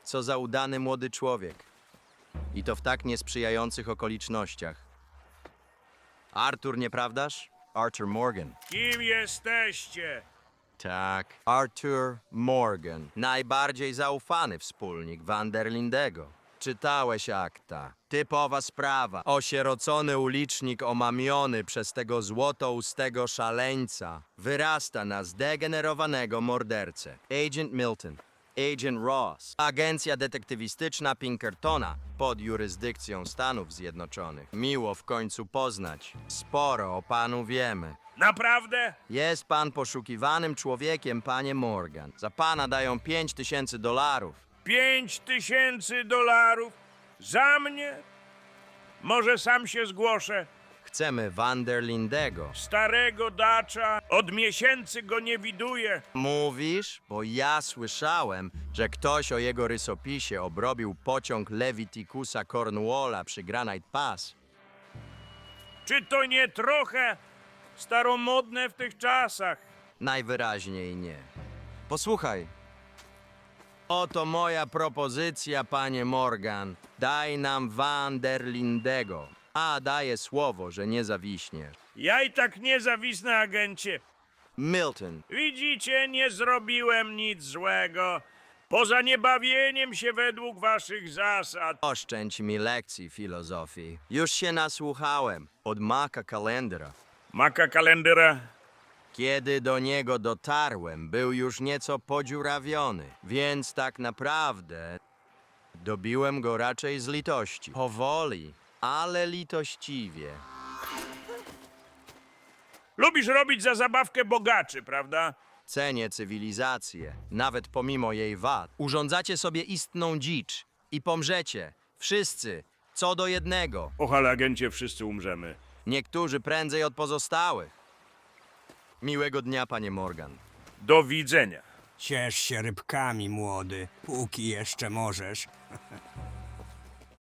Co za udany młody człowiek. I to w tak niesprzyjających okolicznościach. Arthur, nieprawdaż? Arthur Morgan. Kim jesteście? Tak. Arthur Morgan. Najbardziej zaufany wspólnik Van der Lindego. Czytałeś akta. Typowa sprawa. Osierocony ulicznik omamiony przez tego złotoustego szaleńca wyrasta na zdegenerowanego mordercę. Agent Milton. Agent Ross. Agencja detektywistyczna Pinkertona pod jurysdykcją Stanów Zjednoczonych. Miło w końcu poznać. Sporo o panu wiemy. Naprawdę? Jest pan poszukiwanym człowiekiem, panie Morgan. Za pana dają $5000. $5000? Za mnie? Może sam się zgłoszę? Chcemy Van der Lindego. Starego dacza, od miesięcy go nie widuję. Mówisz? Bo ja słyszałem, że ktoś o jego rysopisie obrobił pociąg Leviticusa Cornwalla przy Granite Pass. Czy to nie trochę staromodne w tych czasach? Najwyraźniej nie. Posłuchaj. Oto moja propozycja, panie Morgan. Daj nam Van der Lindego. A daję słowo, że nie zawiśniesz. Ja i tak nie zawisnę, agencie. Milton. Widzicie, nie zrobiłem nic złego. Poza niebawieniem się według waszych zasad. Oszczędź mi lekcji filozofii. Już się nasłuchałem od Maka Kalendera. Maka kalendera. Kiedy do niego dotarłem, był już nieco podziurawiony, więc tak naprawdę dobiłem go raczej z litości. Powoli, ale litościwie. Lubisz robić za zabawkę bogaczy, prawda? Cenię cywilizację, nawet pomimo jej wad. Urządzacie sobie istną dzicz i pomrzecie. Wszyscy, co do jednego. Och, ale agencie, wszyscy umrzemy. Niektórzy prędzej od pozostałych. Miłego dnia, panie Morgan. Do widzenia. Ciesz się rybkami, młody, póki jeszcze możesz.